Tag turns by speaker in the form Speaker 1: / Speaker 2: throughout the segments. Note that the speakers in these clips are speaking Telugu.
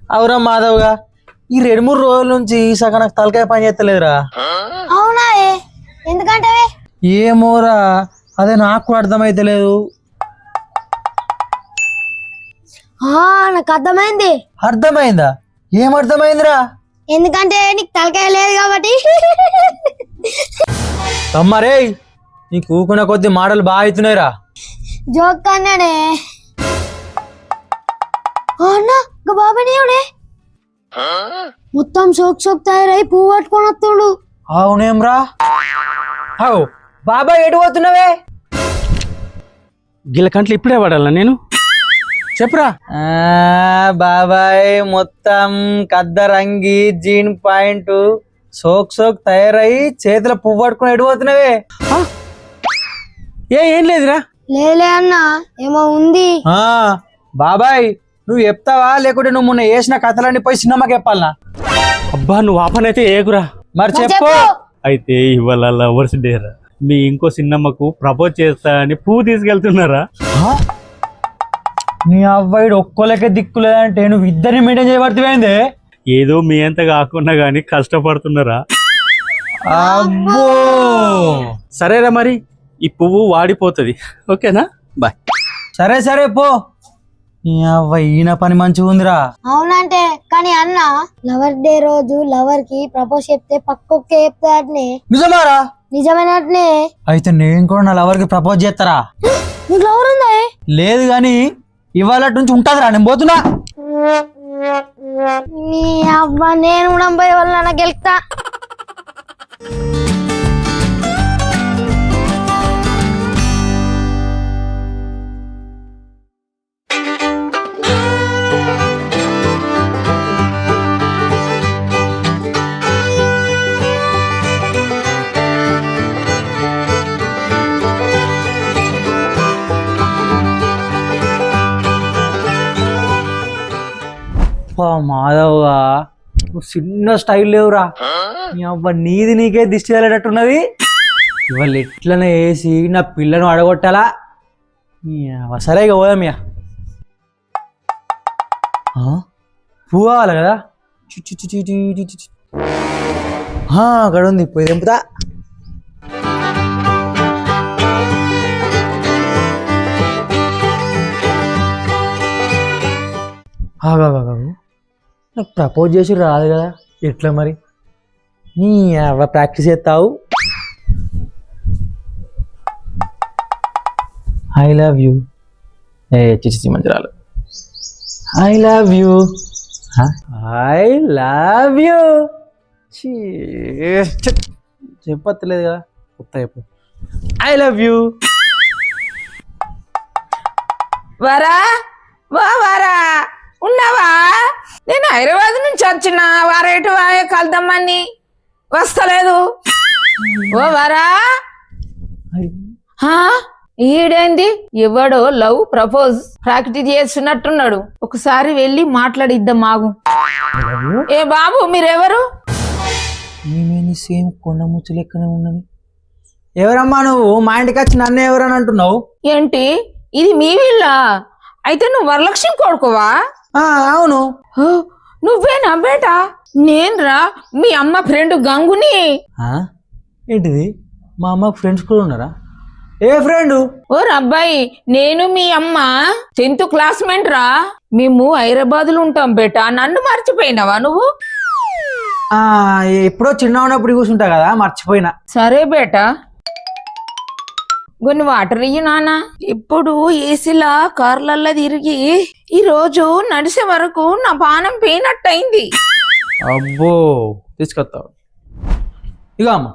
Speaker 1: అవురా మాధవ్గా ఈ 2-3 రోజుల నుంచి సగం నాకు తలకాయ పని చేస్తలేదురా.
Speaker 2: అవునా ఎందుకంటే
Speaker 1: ఏమోరా అదే నాకు కూడా అర్థమైతలేదు.
Speaker 2: నాకు అర్థమైంది.
Speaker 1: అర్థమైందా? ఏం అర్థమైందిరా?
Speaker 2: ఎందుకంటే నీకు తలకాయ లేదు కాబట్టి.
Speaker 1: తమ్మరే నీకు ఊకున్న కొద్ది మాటలు బాగా అవుతున్నాయిరా.
Speaker 2: జోక్ అన్నాడే అన్నా బాబానే మొత్తం సోక్ తయారై పువ్వు పట్టుకొని వస్తాడు.
Speaker 1: అవునేమ్రా? అవు బాబాయ్ ఎటు పోతున్నావే?
Speaker 3: గిల్ల కంట్లు ఇప్పుడే పడాలా నేను? చెప్పురా.
Speaker 1: బాబాయ్ మొత్తం కద్దరంగి జీన్ పాయింట్ సోక్ తయారై చేతిలో పువ్వు పట్టుకుని ఎటు పోతున్నావే?
Speaker 3: ఏం లేదురా.
Speaker 2: లేలే అన్నా ఏమో ఉంది.
Speaker 1: బాబాయ్ నువ్వు చెప్తావా లేకుంటే నువ్వు మొన్న వేసిన కథలన్నీ పోయి సినిమాకి చెప్పాలనా?
Speaker 3: అబ్బా నువ్వు ఆపనైతే ఏగురా.
Speaker 1: మరి చెప్పు.
Speaker 3: అయితే ఇవాళ లవర్స్ డే రా. మీ ఇంకో సినిమాకు ప్రపోజ్ చేస్తా అని పువ్వు తీసుకెళ్తున్నారా?
Speaker 1: నీ అవ్వాయిడు ఒక్కోలకే దిక్కులేదంటే నువ్వు ఇద్దరిని మెయింటైన్ చేయబడుతుంది.
Speaker 3: ఏదో మీ అంత కాకుండా గానీ కష్టపడుతున్నారా?
Speaker 1: అబ్బో
Speaker 3: సరేరా మరి ఈ పువ్వు వాడిపోతుంది. ఓకేనా? బాయ్.
Speaker 1: సరే పో. నీ అవ్వాయి ఈయన పని మంచిగా ఉందిరా.
Speaker 2: అవునంటే కానీ అన్న లవర్ డే రోజు లవర్ కి ప్రపోజ్ చెప్తే పక్కొక్కే చెప్తాడనే.
Speaker 1: నిజమారా?
Speaker 2: నిజమైనట్నే.
Speaker 1: అయితే నేను కూడా నా లవర్ కి ప్రపోజ్ చేస్తారా?
Speaker 2: నీకు లవర్ ఉందా?
Speaker 1: లేదు గాని ఇవాళ నుంచి ఉంటదిరా. నేను పోతున్నా.
Speaker 2: నీ అబ్బా నేను కూడా పోయే వల్ల నాకు గెలుస్తా.
Speaker 1: మాధవ్గా నువ్వు చిన్న స్టైల్ లేవురా. నీ అబ్బా నీది నీకే దిష్టి వెళ్ళేటట్టున్నది. ఇవాళ ఎట్లనే వేసి నా పిల్లను అడగొట్టాలా? సరేగా పోదామియా. పువ్వు కావాలి కదా? అక్కడ ఉంది పోయి తెంపుతా. నాకు ప్రపోజ్ చేసి రాదు కదా, ఎట్లా మరి? నీ ప్రాక్టీస్ చేస్తావు. I love you. చిచి మంచి రాలు. I love you. I love you. చెప్పలేదు కదా, కొత్త చెప్పు. I love you.
Speaker 4: వరా వారా ఉన్నావా? నేను హైదరాబాద్ నుంచి వచ్చిన వారేటు వాయే కలుద్దామని వస్తలేదు. ఓ వరా ఈడేంది ఎవడో లవ్ ప్రపోజ్ ప్రాక్టీస్ చేస్తున్నట్టున్నాడు. ఒకసారి వెళ్ళి మాట్లాడిద్దాం మాగు. ఏ బాబు మీరెవరు?
Speaker 1: ఏమేమి సేమ్ కొండ ముచ్చు లెక్కనే ఉన్నది. ఎవరమ్మా నువ్వు? మా ఇంటికి వచ్చి నన్ను ఎవరని అంటున్నావు
Speaker 4: ఏంటి? ఇది మీ వీళ్ళ? అయితే నువ్వు వరలక్ష్మి కొడుకువా?
Speaker 1: అవును.
Speaker 4: నువ్వేనా బేటా? నేనురా మీ అమ్మ ఫ్రెండ్ గంగుని.
Speaker 1: ఏంటిది? మా అమ్మ ఫ్రెండ్స్ కూడా ఉన్నారా? ఏ ఫ్రెండ్?
Speaker 4: ఓ అబ్బాయి నేను మీ అమ్మ 10th క్లాస్మేట్ రా. మేము హైదరాబాద్ లో ఉంటాం బేటా. నన్ను మర్చిపోయినావా నువ్వు?
Speaker 1: ఎప్పుడో చిన్న ఉన్నప్పుడు కూర్చుంటా కదా, మర్చిపోయినా.
Speaker 4: సరే బేటా కొన్ని వాటర్ ఇయ్యి నాన్న. ఇప్పుడు ఏసీలా కార్లల్లో తిరిగి ఈ రోజు నడిసే వరకు నా పానం పోయినట్టయింది.
Speaker 1: అబ్బో తీసుకొస్తావు. ఇక అమ్మ.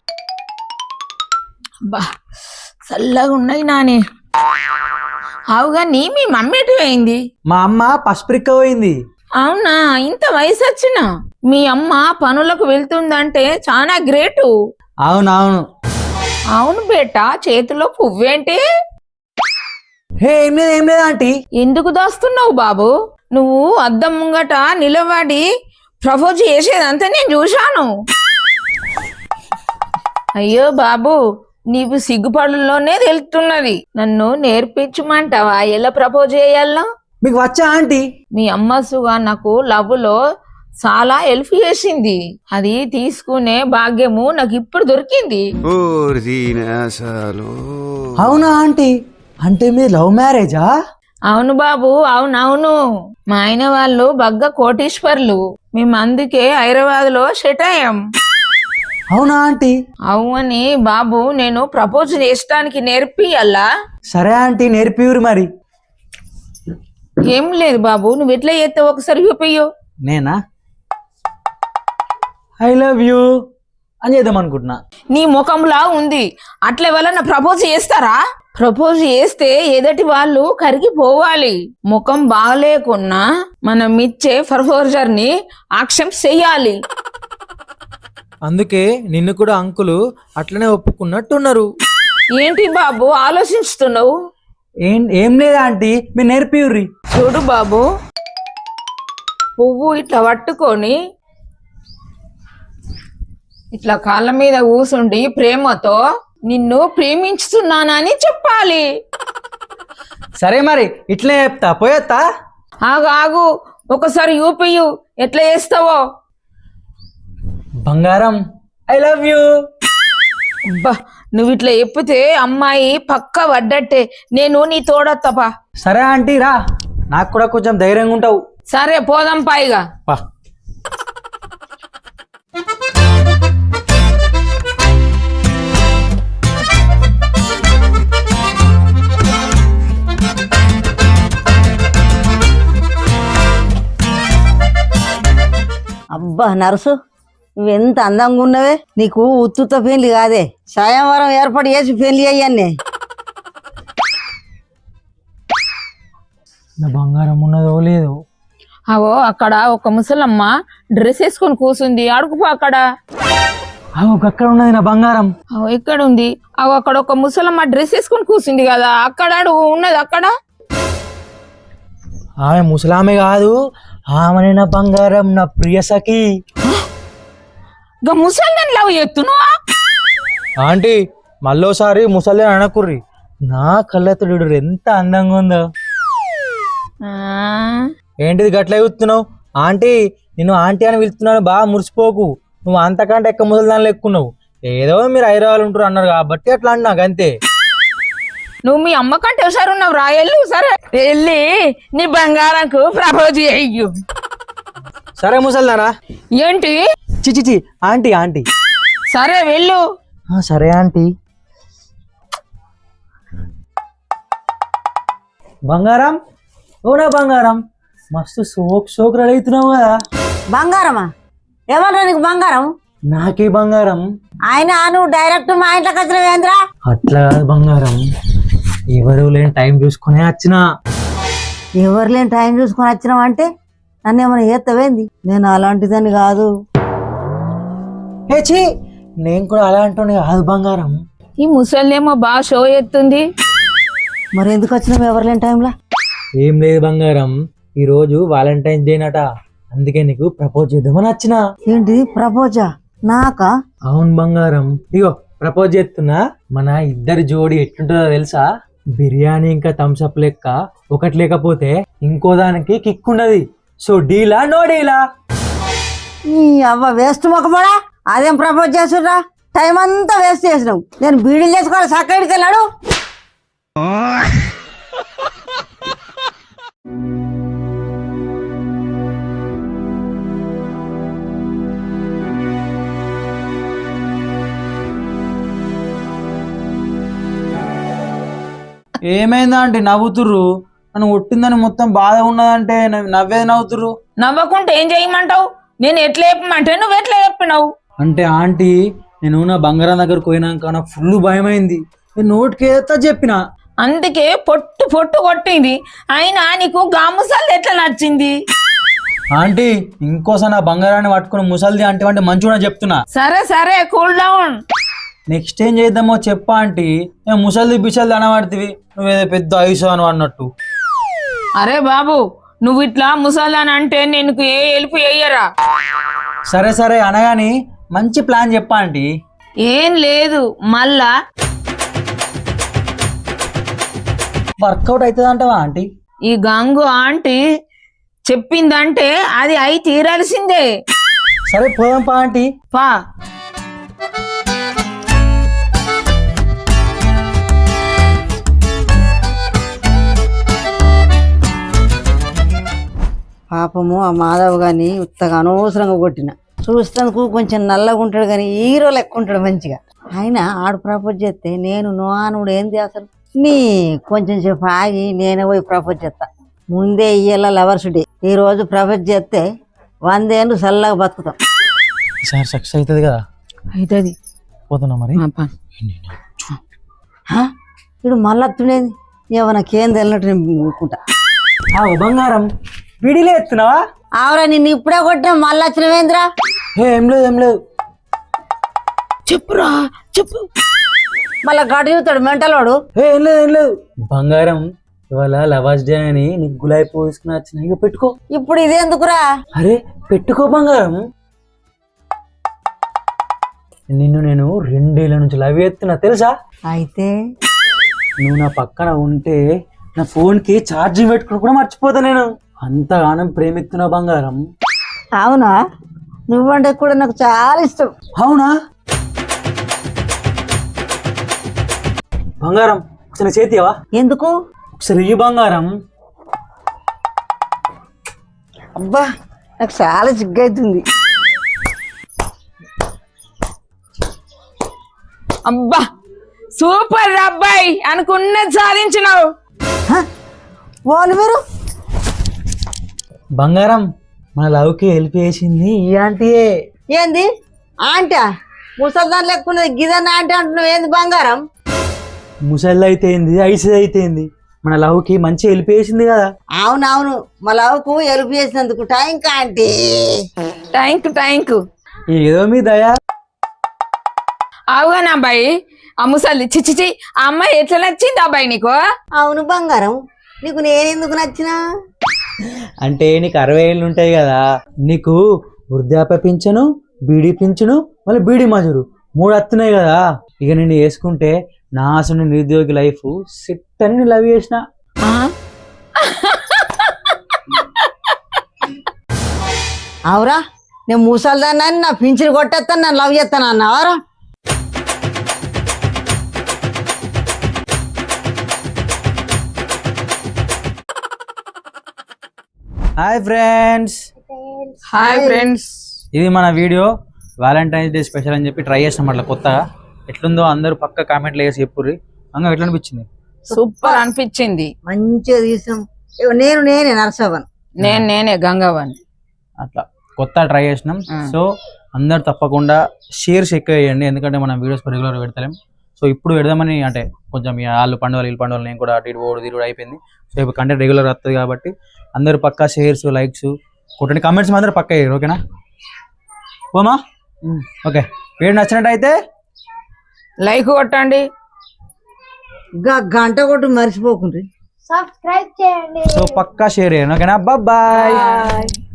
Speaker 4: అబ్బా చల్లగా ఉన్నాయి నానే. అవుగా నీ మీ మమ్మీ ఎటు పోయింది?
Speaker 1: మా అమ్మ పసుపురిక్క పోయింది.
Speaker 4: అవునా? ఇంత వయసు వచ్చిన మీ అమ్మ పనులకు వెళ్తుందంటే చాలా గ్రేటు.
Speaker 1: అవునవును.
Speaker 4: అవును బేటా. చేతిలో పువ్వేంటి?
Speaker 1: ఏం లేదు ఆంటీ.
Speaker 4: ఎందుకు దాస్తున్నావు బాబు? నువ్వు అద్దం ముంగట నిలబడి ప్రపోజ్ చేసేదంతా నేను చూశాను. అయ్యో బాబు నీవు సిగ్గుపడుల్లోనే తెలుస్తున్నది. నన్ను నేర్పించమంటావా ఎలా ప్రపోజ్ చేయాలో?
Speaker 1: మీకు వచ్చా ఆంటీ?
Speaker 4: మీ అమ్మ సుగా నాకు లవ్లో చాలా హెల్ప్ చేసింది. అది తీసుకునే భాగ్యము నాకు ఇప్పుడు దొరికింది.
Speaker 1: అవునా ఆంటీ? అంటే మీ లవ్ మ్యారేజా?
Speaker 4: అవును బాబు, అవునవును. మా ఆయన వాళ్ళు బగ్గ కోటీశ్వర్లు. మేము అందుకే హైదరాబాద్ లో సెట్ అయ్యాం.
Speaker 1: అవునా ఆంటీ?
Speaker 4: అవుని బాబు, నేను ప్రపోజ్ చేయడానికి నేర్పియల్లా?
Speaker 1: సరే ఆంటీ, నేర్పియురు మరి.
Speaker 4: ఏం లేదు బాబు, నువ్వు ఎట్లా చేస్తావు ఒకసారి చూపియ్యు.
Speaker 1: నేనా? ఐ లవ్ యూ అని చేద్దాం అనుకుంటున్నా.
Speaker 4: నీ ముఖంలా ఉంది, అట్లా ఎవరన్నా ప్రపోజ్ చేస్తారా? ప్రపోజ్ చేస్తే ఎదటి వాళ్ళు కరిగిపోవాలి. ముఖం బాగలేకున్నా మనం ఇచ్చే ప్రపోజర్ ని యాక్సెప్ట్ చెయ్యాలి.
Speaker 1: అందుకే నిన్ను కూడా అంకులు అట్లనే ఒప్పుకున్నట్టున్నారు.
Speaker 4: ఏంటి బాబు ఆలోచిస్తున్నావు?
Speaker 1: ఏం లేదా ఆంటీ, మీరు నేర్పియుర్రి.
Speaker 4: చూడు బాబు, పువ్వు ఇట్లా పట్టుకొని ఇట్లా కాళ్ళ మీద కూసుండి ప్రేమతో నిన్ను ప్రేమించుతున్నానని చెప్పాలి.
Speaker 1: సరే మరి ఇట్లే చెప్తా, పోయేత్తా.
Speaker 4: ఆగు ఆగు, ఒకసారి యూపియు ఎట్లా చేస్తావో.
Speaker 1: బంగారం ఐ లవ్ యూ.
Speaker 4: అబ్బా, నువ్వు ఇట్లా చెప్పితే అమ్మాయి పక్క పడ్డట్టే. నేను నీ తోడత్తపా.
Speaker 1: సరే ఆంటీ రా, నాకు కూడా కొంచెం ధైర్యంగా ఉంటావు.
Speaker 4: సరే పోదాం పైగా.
Speaker 1: పా.
Speaker 5: అబ్బా నర్సు, నువ్వెంత అందంగా ఉన్నవే. నీకు ఉత్తుత పెళ్లి కాదే, సాయంవరం ఏర్పాటు చేసి పెళ్లి అయ్యాన్నే.
Speaker 1: నా బంగారం ఉన్నదో లేదో.
Speaker 4: అవో అక్కడ ఒక ముసలమ్మ డ్రెస్ వేసుకొని కూసుంది, అడుగుపో అక్కడ.
Speaker 1: అక్కడ ఉన్నది నా బంగారం.
Speaker 4: అవో ఇక్కడ ఉంది. అవో అక్కడ ఒక ముసలమ్మ డ్రెస్ వేసుకొని కూర్చుంది కదా, అక్కడ అడుగు ఉన్నది అక్కడ.
Speaker 1: ఆమె ముసలామె కాదు, ఆమె నా బంగారం, నా ప్రియ సఖి.
Speaker 4: ముసల్దాన్ని లవ్ చేస్తున్నావా?
Speaker 1: ఆంటీ మళ్ళోసారి ముసలి అనకుర్రి. నా కళ్ళెత్తుడు ఎంత అందంగా ఉందో. ఏంటిది గట్ల చూస్తున్నావు? ఆంటీ నిన్ను ఆంటీ అని పిలుస్తున్నాను, బాగా మురిసిపోకు. నువ్వు అంతకంటే ఎక్క ముసలిదాన్ని ఎక్కున్నావు. ఏదో మీరు హైదరాబాద్ ఉంటారు అన్నారు కాబట్టి అట్లా అన్నాకు అంతే.
Speaker 4: నువ్వు మీ అమ్మ కంటే ఒకసారి ఉన్నావు రా, వెళ్ళు. సరే వెళ్ళి నీ బంగారంకు ప్రపోజ్ చెయ్యు.
Speaker 1: సరే ముసల్దానా.
Speaker 4: ఏంటి?
Speaker 1: చిచి ఆంటీ ఆంటీ.
Speaker 4: సరే వెళ్ళు.
Speaker 1: సరే ఆంటీ. బంగారం, ఓనా బంగారం, మస్తు సోక్ రెడీ అవుతున్నావు కదా.
Speaker 5: బంగారమా? ఎవరు నీకు బంగారం?
Speaker 1: నాకే బంగారం.
Speaker 5: ఆయన నువ్వు డైరెక్ట్ మా ఇంట్లోకి వచ్చినవేంద్రా?
Speaker 1: అట్లా కాదు బంగారం, ఎవరు లేని టైం చూసుకునే వచ్చిన.
Speaker 5: ఎవరు లేని టైం చూసుకొని వచ్చినావు అంటే నన్ను ఏమైనా చేస్తావేంది? నేను అలాంటిదని కాదు.
Speaker 1: హేచి, నేను కూడా అలాంటి కాదు బంగారం.
Speaker 4: ఈ ముసలినేమో బాగా షో ఎత్తుంది.
Speaker 5: మరి ఎందుకు వచ్చినావు ఎవరు లేని టైంలో?
Speaker 1: ఏం లేదు బంగారం, ఈరోజు వాలంటైన్స్ డే నట, అందుకే నీకు ప్రపోజ్ చేద్దామని వచ్చిన.
Speaker 5: ఏంటి ప్రపోజా? నాకా?
Speaker 1: అవును బంగారం, ఇగో ప్రపోజ్ చేస్తున్నా. మన ఇద్దరి జోడి ఎట్లుంటుందో తెలుసా? బిర్యానీ ఇంకా థమ్స్అప్ లెక్క, ఒకటి లేకపోతే ఇంకో దానికి కిక్ ఉన్నది. సో డీలా నో డీలా?
Speaker 5: ఈ అవ్వ వేస్ట్ మొక్కబడా, అదేం ప్రపోజ్ చేస్తుర్రా? టైం అంతా వేస్ట్ చేసినావు. నేను బీడీలు చేసుకోవాలి, సక్కడికి వెళ్ళాడు.
Speaker 1: ఏమైందా అంటే నవ్వుతుర్రు? నన్ను కొట్టిందని మొత్తం బాధ ఉన్నదంటే నవ్వేది నవ్వుతుర్రు.
Speaker 4: నవ్వకుంటే ఏం చేయమంటావు? నేను ఎట్లా చెప్పమంటే నువ్వు ఎట్లా చెప్పినావు?
Speaker 1: అంటే ఆంటీ, నేను నా బంగారం దగ్గరకు పోయినాక నాకు ఫుల్ భయమైంది. నేను నోటికేత చెప్పిన,
Speaker 4: అందుకే పొట్టు పొట్టు కొట్టింది. అయినా నీకు గాముసల్ ఎట్లా నచ్చింది?
Speaker 1: ఆంటీ ఇంకోసారి నా బంగారాన్ని పట్టుకుని ముసలిది అంటే మంచిగా చెప్తున్నా.
Speaker 4: సరే సరే, కూల్ డౌన్.
Speaker 1: నెక్స్ట్ ఏం చేద్దామో చెప్పా ఆంటీ. ముసలిది బిసలిది అనబడుతుంది, నువ్వేదో పెద్ద ఆయుష్ అని అన్నట్టు.
Speaker 4: అరే బాబు, నువ్వు ఇట్లా ముసల్దాన్ అంటే నేను ఏ హెల్ప్ చెయ్యరా.
Speaker 1: సరే సరే అనగాని మంచి ప్లాన్ చెప్పా ఆంటీ.
Speaker 4: ఏం లేదు, మళ్ళా
Speaker 1: వర్కౌట్ అవుతుంది అంటావా ఆంటీ?
Speaker 4: ఈ గంగు ఆంటీ చెప్పిందంటే అది అయి తీరాల్సిందే.
Speaker 1: సరే పోదాం పా ఆంటీ.
Speaker 4: పా.
Speaker 5: పాపము ఆ మాధవ్ గాని ఉత్తగా అనవసరంగా కొట్టిన. చూస్తానికి కొంచెం నల్లగా ఉంటాడు కానీ హీరో లెక్క ఉంటాడు మంచిగా. ఆయన ఆడు ప్రపోజ్ చేస్తే నేను నువ్వు ఏంది అసలు నీ కొంచెం సేపు ఆగి నేనే పోయి ప్రపోజ్ చేస్తా. ముందే ఇయ్యాల లవర్స్ డే. ఈ రోజు ప్రపోజ్ చేస్తే 100 ఏళ్ళు చల్లగా బతుకుతాం.
Speaker 1: ఈసారి సక్సెస్ అవుతుంది కదా.
Speaker 4: అవుతుంది.
Speaker 1: పోతున్నా మరి.
Speaker 5: ఇప్పుడు మళ్ళీ అత్తుండేది నాకేం తెలియనట్టు నేను ఊరుకుంటా.
Speaker 1: బంగారం విడిలే ఎత్తున్నావా?
Speaker 5: ఆవరా నిన్ను ఇప్పుడే కొట్టినా మళ్ళీ వచ్చినవేంద్రా?
Speaker 1: ఏం లేదు ఏం లేదు.
Speaker 4: చెప్పురా చెప్పు.
Speaker 5: మళ్ళా గడు చూస్తాడు మెంటలోడు.
Speaker 1: ఏం లేదు ఏం లేదు. బంగారం ఇవాళ లవర్స్ డే అని నీకు గులాబీ పోసుకుని వచ్చిన, ఇక పెట్టుకో.
Speaker 5: ఇప్పుడు ఇదేందుకురా?
Speaker 1: అరే పెట్టుకో బంగారం. నిన్ను నేను 2 ఏళ్ళ నుంచి లవ్ చేస్తున్నా తెలుసా?
Speaker 5: అయితే
Speaker 1: నువ్వు నా పక్కన ఉంటే నా ఫోన్ కి ఛార్జింగ్ పెట్టుకుని కూడా మర్చిపోతా. నేను అంతగానం ప్రేమిస్తున్నా బంగారం.
Speaker 5: అవునా? నువ్వంటే కూడా నాకు చాలా ఇష్టం.
Speaker 1: అవునా బంగారం? ఒకసారి చేతివా?
Speaker 5: ఎందుకు?
Speaker 1: ఒకసారి ఈ బంగారం.
Speaker 5: అబ్బా నాకు చాలా సిగ్గైతుంది.
Speaker 4: అబ్బా సూపర్ అబ్బాయి, అనుకున్నది సాధించినావు.
Speaker 5: వాళ్ళు మీరు
Speaker 1: బంగారం మన లవ్కి హెల్ప్ చేసింది ఈ ఆంటీయే.
Speaker 5: ఏంది ఆంటా? ముసల్దాన్ లెక్కున్నది గిదన్న ఆంటీ అంటున్నావు ఏంది బంగారం?
Speaker 1: ముసళ్ళు అయితే ఏంది, ఐసి అయితే ఏంది, మన లవ్కి మంచి హెల్ప్ చేసింది కదా.
Speaker 5: అవునవును, మా లవ్కు హెల్ప్ చేసినందుకు థ్యాంక్ ఆంటీ.
Speaker 4: థ్యాంక్
Speaker 1: ఏదో మీ దయా.
Speaker 4: అవునా అబ్బాయి? ఆ ముసలి చిచ్చిచి ఆ అమ్మాయి ఎట్లా నచ్చింది అబ్బాయి నీకు?
Speaker 5: అవును బంగారం, నీకు నేనెందుకు నచ్చినా?
Speaker 1: అంటే నీకు 60 ఏళ్ళు ఉంటాయి కదా, నీకు వృద్ధాప్య పింఛను, బీడీ పింఛను, మళ్ళీ బీడీ మజూరు 3 వస్తున్నాయి కదా. ఇక నేను వేసుకుంటే నా అసలు నిరుద్యోగి లైఫ్ సిట్ అని లవ్ చేసిన.
Speaker 5: అవురా, నేను ముసల్దాన్ని నా పింఛను కొట్టేస్తాను, నన్ను లవ్ చేస్తాను అన్నావారా?
Speaker 1: Hi friends.
Speaker 4: Hi friends.
Speaker 1: ఇది మన వీడియో వ్యాలంటైన్స్ డే స్పెషల్ అని చెప్పి ట్రై చేసినాం. అట్లా కొత్తగా ఎట్లుందో అందరూ పక్క కామెంట్లు వేసి చెప్పుర్రి. అంగా ఎట్లా అనిపించింది?
Speaker 4: సూపర్ అనిపించింది.
Speaker 5: మంచిగా తీసాం. నేనే నరసవన్.
Speaker 4: నేనే గంగవన్.
Speaker 1: అట్లా కొత్త ట్రై చేసినాం. సో అందరు తప్పకుండా షేర్స్ ఎక్కువ వేయండి, ఎందుకంటే మనం వీడియోస్ రెగ్యులర్ పెడతలేం. సో ఇప్పుడు పెడదామని, అంటే కొంచెం వాళ్ళు పండుగలు వీళ్ళు పండుగలు నేను కూడా తిరుగుడు అయిపోయింది. సో ఇప్పుడు కంటెంట్ రెగ్యులర్ వస్తుంది కాబట్టి అందరూ పక్కా షేర్స్ లైక్స్ కొట్టండి, కామెంట్స్ మాత్రం పక్కా వేయరు. ఓకేనా? ఓమా ఓకే. వీడియో నచ్చినట్టయితే
Speaker 4: లైక్ కొట్టండి,
Speaker 5: గంట కొట్టు మర్చిపోకుండ్రి,
Speaker 2: సబ్స్క్రైబ్ చేయండి.
Speaker 1: సో పక్కా షేర్ చేయండి. ఓకేనా? బాయ్.